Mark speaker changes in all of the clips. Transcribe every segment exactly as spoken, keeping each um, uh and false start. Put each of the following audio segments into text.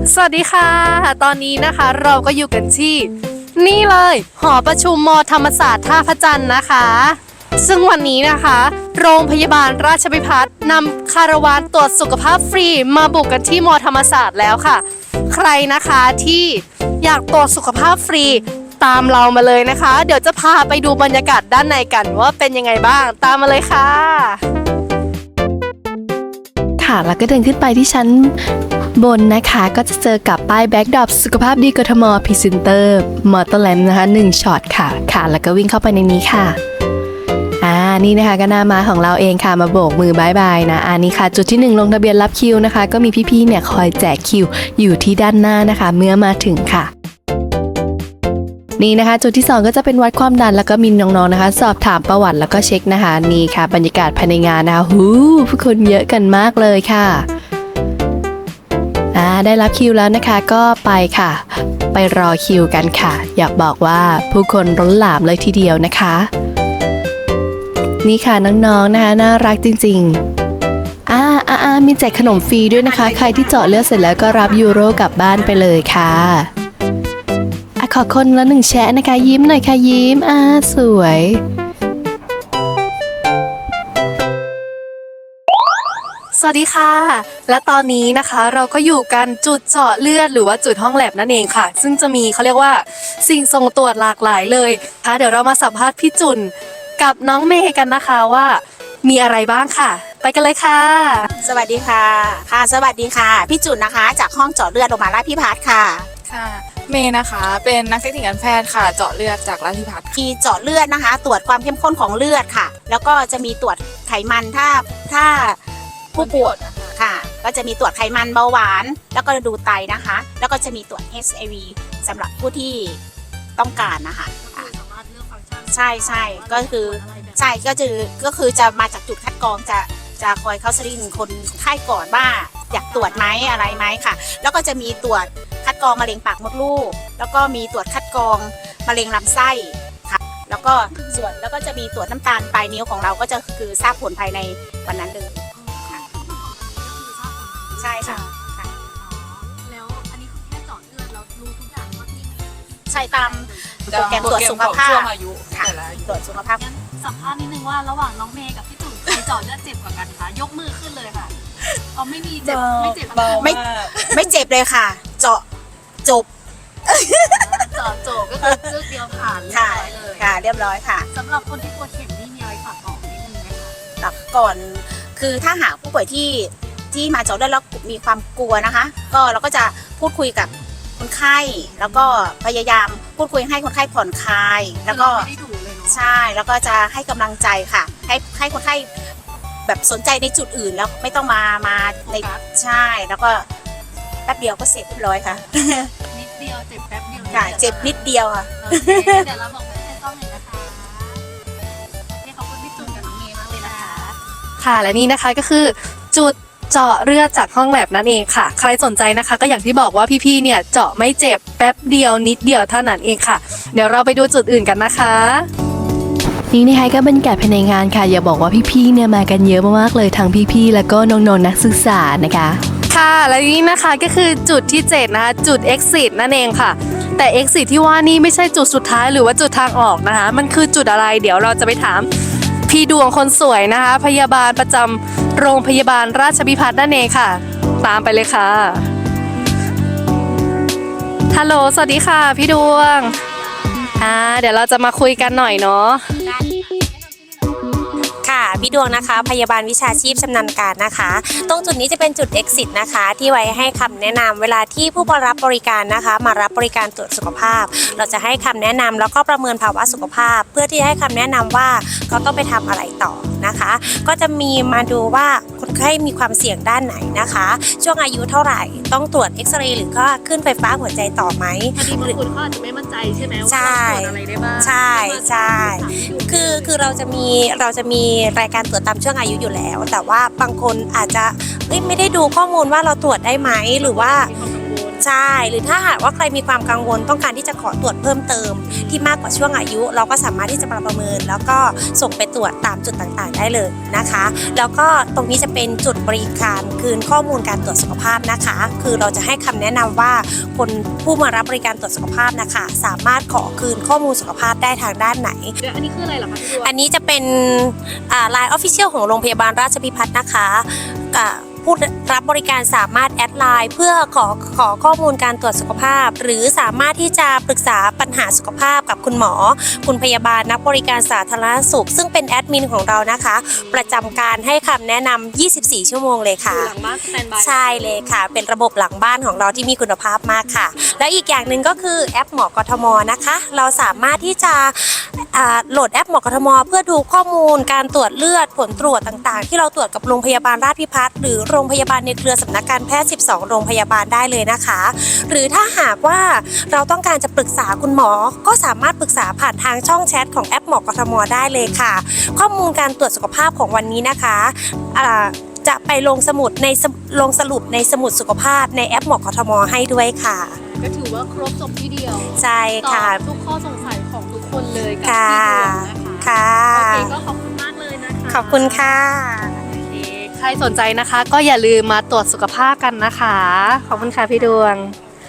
Speaker 1: สวัสดีค่ะตอนนี้นะคะเราก็อยู่กันที่นี่เลยหอประชุมมธรรมศาสตร์ท่าพระจันทร์นะคะซึ่งวันนี้นะคะโรงพยาบาลราชภิพัฒน์นำคาราวานตรวจสุขภาพฟรีมาบุกกันที่มธรรมศาสตร์แล้วค่ะใครนะคะที่อยากตรวจสุขภาพฟรีตามเรามาเลยนะคะเดี๋ยวจะพาไปดูบรรยากาศด้านในกันว่าเป็นยังไงบ้างตามมาเลยค่ะ
Speaker 2: ค่ะแล้วก็เดินขึ้นไปที่ชั้นบนนะคะก็จะเจอกับป้ายแบ็กดรอปสุขภาพดีกทมพรีเซนเตอร์มอเตอร์แลนด์นะคะหนึ่งช็อตค่ะค่ะแล้วก็วิ่งเข้าไปในนี้ค่ะอ่านี่นะคะก็หน้าม้าของเราเองค่ะมาโบกมือบายบายนะอันนี้ค่ะจุดที่หนึ่งลงทะเบียนรับคิวนะคะก็มีพี่ๆเนี่ยคอยแจกคิวอยู่ที่ด้านหน้านะคะเมื่อมาถึงค่ะนี่นะคะจุดที่สองก็จะเป็นวัดความดันแล้วก็มีน้องๆนะคะสอบถามประวัติแล้วก็เช็คนะคะนี่ค่ะบรรยากาศภายในงานนะคะหูผู้คนเยอะกันมากเลยค่ะอ่าได้รับคิวแล้วนะคะก็ไปค่ะไปรอคิวกันค่ะอยากบอกว่าผู้คนล้นหลามเลยทีเดียวนะคะนี่ค่ะน้องๆนะคะน่ารักจริงๆอ่าอ่าอ่ามีแจกขนมฟรีด้วยนะคะใครที่เจาะเลือดเสร็จแล้วก็รับยูโรกลับบ้านไปเลยค่ะขอคนละหนึ่งแชะนะคะยิ้มหน่อยค่ะยิ้มอ่าสวย
Speaker 1: สวัสดีค่ะและตอนนี้นะคะเราก็อยู่กันจุดเจาะเลือดหรือว่าจุดห้องแลบนั่นเองค่ะซึ่งจะมีเขาเรียกว่าสิ่งส่งตรวจหลากหลายเลยค่ะเดี๋ยวเรามาสัมภาษณ์พี่จุนกับน้องเมย์กันนะคะว่ามีอะไรบ้างค่ะไปกันเลยค่ะ
Speaker 3: สวัสดีค่ะค่ะสวัสดีค่ะพี่จุนนะคะจากห้องเจาะเลือดโรงพยาบาลราชภิพัฒน์ค่ะ
Speaker 4: ค่ะเมย์นะคะเป็นนักเทคนิคการแพทย์ค่ะเจาะเลือดจากราชภิพัฒน์
Speaker 3: มีเจาะเลือดนะคะ ตรวจความเข้มข้นของเลือดค่ะแล้วก็จะมีตรวจไขมันถ้าถ้าผู้ป่วยค่ะก็จะมีตรวจไขมันเบาหวานแล้วก็ดูไตนะคะแล้วก็จะมีตรวจ เอช ไอ วี สำหรับผู้ที่ต้องการนะคะใช่ใช่ก็คือใช่ก็จะก็คือจะมาจากจุดคัดกรองจะจะคอยเข้าสรีนคนไข้ก่อนว่าอยากตรวจไหมอะไรไหมค่ะแล้วก็จะมีตรวจคัดกรองมะเร็งปากมดลูกแล้วก็มีตรวจคัดกรองมะเร็งลำไส้ค่ะแล้วก็ส่วนแล้วก็จะมีตรวจน้ำตาลปลายนิ้วของเราก็จะคือทราบผลภายในวันนั้นเลยค่ะใช่ค่ะ
Speaker 1: แล้วอันนี้คือแค่เจาะเลือดเรารู้ทุกอย่างว่าที่
Speaker 3: ใช่ตามโปรแกรมตรวจสุขภาพค่ะตรวจสุขภาพ
Speaker 1: สัมภาษณ์นิดนึงว่าระหว่างน้องเมย์กับพี่จุ๋มใครเจาะเลือดเจ็บกว่ากันคะยกมือขึ้นเลยค่ะเอาไม่มีเจ็บไม่เจ็บ
Speaker 3: ไม่ไม่เจ็บเลยค่ะเจาะจบ
Speaker 1: เจาะจบก็คือเลือดเดียวผ่านเรียบร้อยเลย
Speaker 3: ค่ะเรียบร้อยค่ะ
Speaker 1: สำหรับคนที่ปวดเข็มนี่มีอะไรฝากบอกนิดนึงไหมคะ
Speaker 3: ก่อนคือถ้าหากผู้ป่วยที่ที่มาเจาะเลือดแล้วมีความกลัวนะคะก็เราก็จะพูดคุยกับคนไข้แล้วก็พยายามพูดคุยให้คนไข้ผ่อนคลายแล้วก็ใช่แล้วก็จะให้กำลังใจค่ะให้ให้คนไข้แบบสนใจในจุดอื่นแล้วไม่ต้องมามาในใช่แล้วก็แป๊บเดียวก็เสร็จเรียบร้อยค่ะ
Speaker 1: นิดเดียวเจ็บแป๊บเดียว
Speaker 3: ค่ะเจ็บนิดเดียวค่ะ
Speaker 1: เดี๋ยวเราบอกให้ให้ต้องเลยนะคะขอบคุณพี่จุนกับน้องเมย์มากเลยนะคะค่ะและนี่นะคะก็คือจุดเจาะเลือดจากห้องแลบนั่นเองค่ะใครสนใจนะคะก็อย่างที่บอกว่าพี่ๆเนี่ยเจาะไม่เจ็บแป๊บเดียวนิดเดียวเท่านั้นเองค่ะเดี๋ยวเราไปดูจุดอื่นกันนะคะ
Speaker 2: นี่นะคะก็บรรยากาศภายในงานค่ะอย่าบอกว่าพี่ๆเนี่ยมากันเยอะมากๆเลยทั้งพี่ๆแล้วก็น้องๆนักศึกษานะคะ
Speaker 1: ค่ะและนี่นะคะก็คือจุดที่เจ็ดนะคะจุด exit นั่นเองค่ะแต่ exit ที่ว่านี่ไม่ใช่จุดสุดท้ายหรือว่าจุดทางออกนะคะมันคือจุดอะไรเดี๋ยวเราจะไปถามพี่ดวงคนสวยนะคะพยาบาลประจำโรงพยาบาลราชภิพัฒน์นั่นเองค่ะตามไปเลยค่ะฮัลโหลสวัสดีค่ะพี่ดวงอ่าเดี๋ยวเราจะมาคุยกันหน่อยเนาะ
Speaker 5: ค่ะพี่ดวงนะคะพยาบาลวิชาชีพชำนาญการนะคะตรงจุดนี้จะเป็นจุด exit นะคะที่ไว้ให้คำแนะนำเวลาที่ผู้รับบริการนะคะมารับบริการตรวจสุขภาพเราจะให้คำแนะนำแล้วก็ประเมินภาวะสุขภาพเพื่อที่ให้คำแนะนำว่าเขาต้องไปทำอะไรต่อนะคะก็จะมีมาดูว่าคนไข้มีความเสี่ยงด้านไหนนะคะช่วงอายุเท่าไหร่ต้องตรวจเอ็กซเรย์หรือก็ขึ้นไฟฟ้าหัวใจต่อไหม
Speaker 1: พอดีบางคนเขาอาจจะไม่มั่นใจใช่ไหมว่าตรวจอะไรได้บ้าง
Speaker 5: ใช่ใช่คือคือเราจะมีเราจะมีรายการตรวจตามช่วงอายุอยู่แล้วแต่ว่าบางคนอาจจะไม่ได้ดูข้อมูลว่าเราตรวจได้ไหมหรือว่า
Speaker 1: วล
Speaker 5: ใช่หรือถ้าหากว่าใครมีความกังวลต้องการที่จะขอตรวจเพิ่มเติมที่มากกว่าช่วงอายุ เราก็สามารถที่จะประเมินแล้วก็ส่งไปตรวจตามจุดต่างๆได้เลยนะคะแล้วก็ตรงนี้จะเป็นจุดบริการคืนข้อมูลการตรวจสุขภาพนะคะคือเราจะให้คำแนะนำว่าคนผู้มารับบริการตรวจสุขภาพนะคะสามารถขอคืนข้อมูลสุขภาพได้ทางด้านไหน
Speaker 1: เดี๋ยวอันนี้คืออะไรเหรอคะพี่ดวง
Speaker 5: อันนี้จะเป็นไลน์ออฟฟิเชียลของโรงพยาบาลราชพิพัฒน์นะคะอ่าผู้รับบริการสามารถแอดไลน์เพื่อขอขอข้อมูลการตรวจสุขภาพ หรือสามารถที่จะปรึกษาปัญหาสุขภาพกับคุณหมอ คุณพยาบาลนักบริการสาธารณสุข ซึ่งเป็นแอดมินของเรานะคะ ประจำการให้คำแนะนำ ยี่สิบสี่ ชั่วโมงเลยค่ะ
Speaker 1: อยู่หลังบ้านสแตนบาย
Speaker 5: ใช่เลยค่ะ เป็นระบบหลังบ้านของเราที่มีคุณภาพมากค่ะ แล้วอีกอย่างหนึ่งก็คือแอปหมอกทมนะคะ เราสามารถที่จะอ่าโหลดแอปหมอกทม เพื่อดูข้อมูลการตรวจเลือดผลตรวจต่างๆ ที่เราตรวจกับโรงพยาบาลราชพิพัฒน์หรือโรงพยาบาลในเครือสำนักการแพทย์ สิบสอง โรงพยาบาลได้เลยนะคะ หรือถ้าหากว่าเราต้องการจะปรึกษาคุณหมอ ก็สามารถปรึกษาผ่านทางช่องแชทของแอปหมอกทมได้เลยค่ะ ข้อมูลการตรวจสุขภาพของวันนี้นะคะอ่าจะไปลงสมุดในสลงสรุปในสมุดสุขภาพในแอปหมอกทมให้ด้วยค่ะ
Speaker 1: ก็ถือว่าครบจบที่เดียว
Speaker 5: ใช่
Speaker 1: ตอ
Speaker 5: ค่ะ
Speaker 1: บทุกข้อสงสัยของทุกคนเลยกับ
Speaker 5: ค่ะ
Speaker 1: พี่ดวงนะคะ
Speaker 5: ค่ะ
Speaker 1: โอเคก็ขอบคุณมากเลยนะคะ
Speaker 5: ขอบคุณค่ะ
Speaker 1: โอเคใครสนใจนะคะ ก็อย่าลืมมาตรวจสุขภาพกันนะคะ ขอบคุณค่ะพี่ดวง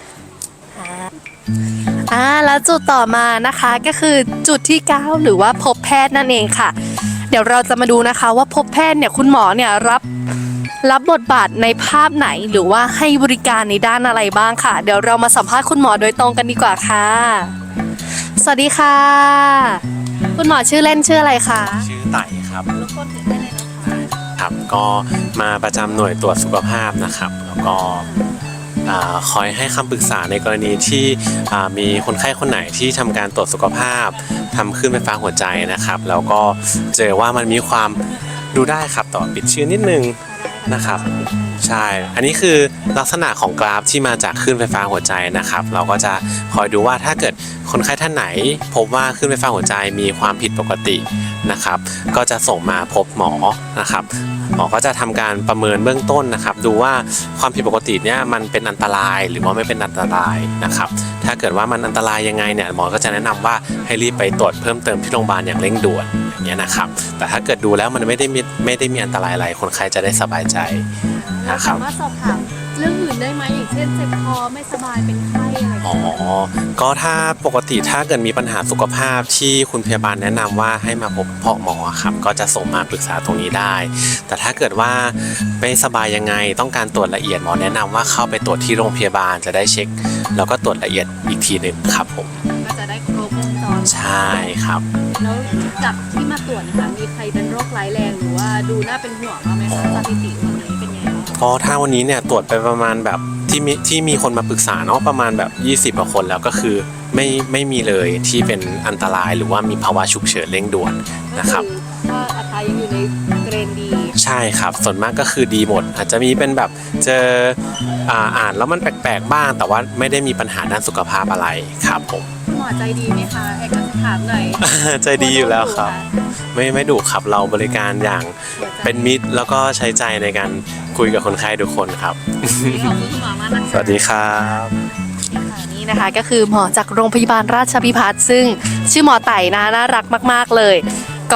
Speaker 1: อ่าแล้วจุดต่อมานะคะก็คือจุดที่เก้าหรือว่าพบแพทย์นั่นเองค่ะ เดี๋ยวเราจะมาดูนะคะว่าพบแพทย์เนี่ยคุณหมอเนี่ยรับรับบทบาทในภาพไหนหรือว่าให้บริการในด้านอะไรบ้างค่ะ เดี๋ยวเรามาสัมภาษณ์คุณหมอโดยตรงกันดีกว่าค่ะ สวัสดีค่ะ คุณหมอชื่อเล่นชื่ออะไรคะ
Speaker 6: ชื่อไต่ครับ
Speaker 1: รบกวนถือได้เลยนะคะ
Speaker 6: ครับก็มาประจำหน่วยตรวจสุขภาพนะครับ แล้วก็อ่าคอยให้คำปรึกษาในกรณีที่อ่ามีคนไข้คนไหนที่ทำการตรวจสุขภาพทำขึ้นไฟฟ้าหัวใจนะครับ แล้วก็เจอว่ามันมีความดูได้ครับต่อปิดชื่อนิดนึงนะครับ ใช่ อันนี้คือลักษณะของกราฟที่มาจากคลื่นไฟฟ้าหัวใจนะครับ เราก็จะคอยดูว่าถ้าเกิดคนไข้ท่านไหน พบว่าคลื่นไฟฟ้าหัวใจมีความผิดปกตินะครับ ก็จะส่งมาพบหมอนะครับ หมอก็จะทำการประเมินเบื้องต้นนะครับ ดูว่าความผิดปกติเนี่ยมันเป็นอันตรายหรือว่าไม่เป็นอันตรายนะครับ ถ้าเกิดว่ามันอันตรายยังไงเนี่ยหมอก็จะแนะนำว่าให้รีบไปตรวจเพิ่มเติมที่โรงพยาบาลอย่างเร่งด่วนอย่างเงี้ยนะครับ แต่ถ้าเกิดดูแล้วมันไม่ได้มีไม่ได้มีอันตรายอะไรคนไข้จะได้สบายใจ
Speaker 1: เรา
Speaker 6: นะครับ
Speaker 1: สามารถสอบถามเรื่องอื่นได้ไหมอย่างเช่นเจ็บคอไม่สบายเป็นไข้อะไร
Speaker 6: อ๋อ ก็ถ้าปกติถ้าเกิดมีปัญหาสุขภาพที่คุณพยาบาลแนะนำว่าให้มาพบพ่อหมอครับก็จะส่งมาปรึกษาตรงนี้ได้ แต่ถ้าเกิดว่าไม่สบายยังไงต้องการตรวจละเอียดหมอแนะนำว่าเข้าไปตรวจที่โรงพยาบาลจะได้เช็ค แล้วก็ตรวจละเอียดอีกทีหนึ่งครับผม
Speaker 1: ก็จะได้ครบวงจร
Speaker 6: ใช่ครับ
Speaker 1: แล้วจากที่มาตรวจนะคะมีใครเป็นโรคร้ายแรงหรือว่าดูน่าเป็นห่วงบ้างไหมคะสถิติวันนี้เป็นไงบ้าง
Speaker 6: ก็ถ้าวันนี้เนี่ยตรวจไปประมาณแบบที่มีที่มีคนมาปรึกษาเนาะประมาณแบบยี่สิบกว่าคนแล้วก็คือไม่ไม่มีเลยที่เป็นอันตรายหรือว่ามีภาวะฉุกเฉินเร่งด่วนนะครับ
Speaker 1: ก็อัตรายังอยู่ในเกรนดี
Speaker 6: ใช่ครับส่วนมากก็คือดีหมด อาจจะมีเป็นแบบเจออ่าอ่านแล้วมันแปลกๆบ้าง แต่ว่าไม่ได้มีปัญหาด้านสุขภาพอะไรครับผม
Speaker 1: คุณหมอใจดีไหมคะเอกสารหน่อย
Speaker 6: ใจดีอยู่แล้วครับ ไม่ไม่ดุครับเราบริการอย่างเป็นมิตรแล้วก็ใช้ใจในการคุยกับคนไข้ทุกคนครับ
Speaker 1: ขอบคุณคุณหมอมากนะคะ
Speaker 6: สวัสดีครับ
Speaker 1: นี่นะคะก็คือหมอจากโรงพยาบาลราชพิพัฒน์ซึ่งชื่อหมอไต่นะน่ารักมากๆเลยก็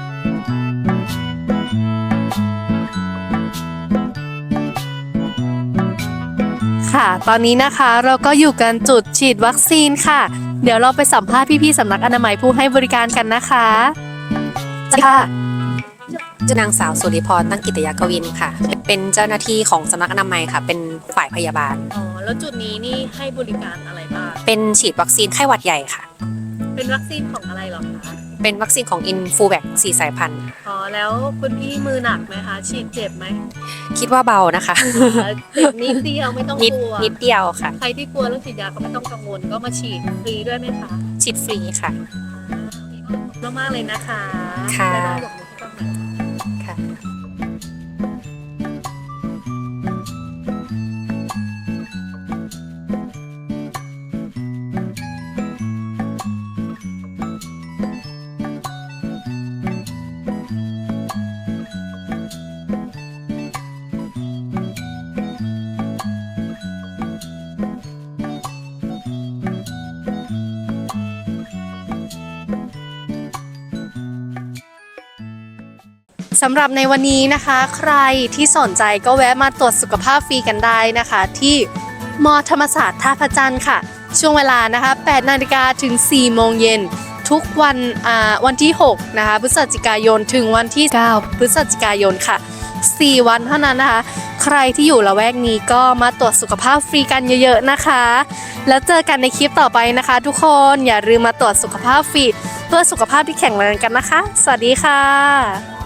Speaker 1: ค่ะ ตอนนี้นะคะเราก็อยู่กันจุดฉีดวัคซีนค่ะ เดี๋ยวเราไปสัมภาษณ์พี่ๆสำนักอนามัยผู้ให้บริการกันนะคะค่ะ
Speaker 7: ชื่อนางสาวสุริพรตั้งกิตยากวินค่ะ เป็นเจ้าหน้าที่ของสำนักอนามัยค่ะ เป็นฝ่ายพยาบาล
Speaker 1: อ๋อแล้วจุดนี้นี่ให้บริการอะไรบ้าง
Speaker 7: เป็นฉีดวัคซีนไข้หวัดใหญ่ค่ะ
Speaker 1: เป็นวัคซีนของอะไรเหรอคะ
Speaker 7: เป็นวัคซีนของอินฟูแบกสี่สายพันธุ์
Speaker 1: อ๋อแล้วคุณพี่มือหนักไหมคะฉีดเจ็บไหม
Speaker 7: คิดว่าเบานะคะ
Speaker 1: เจ็บนิดเดียวไม่ต้อง
Speaker 7: นิด
Speaker 1: กลัว
Speaker 7: นิดเดียวค่ะ
Speaker 1: ใครที่กลัวเรื่องฉีดยาก็ไม่ต้องกังวลก็มาฉีดฟรีด้วยไหมคะ
Speaker 7: ฉีดฟรีค่ะ
Speaker 1: ขอบคุณมากๆเลยนะคะ
Speaker 7: ค่ะ
Speaker 1: ได้ได้บอกมือที่ต้องหน่อย
Speaker 7: ค่ะ
Speaker 1: สำหรับในวันนี้นะคะ ใครที่สนใจก็แวะมาตรวจสุขภาพฟรีกันได้นะคะ ที่มอธรรมศาสตร์ท่าพระจันทร์ค่ะ ช่วงเวลานะคะแปดนาฬิกาถึงสี่โมงเย็นทุกวันอ่าวันที่หกนะคะพฤศจิกายนถึงวันที่เก้าพฤศจิกายนค่ะสี่วันเท่านั้นนะคะ ใครที่อยู่ละแวกนี้ก็มาตรวจสุขภาพฟรีกันเยอะๆนะคะ แล้วเจอกันในคลิปต่อไปนะคะ ทุกคนอย่าลืมมาตรวจสุขภาพฟรีเพื่อสุขภาพที่แข็งแรงกันนะคะ สวัสดีค่ะ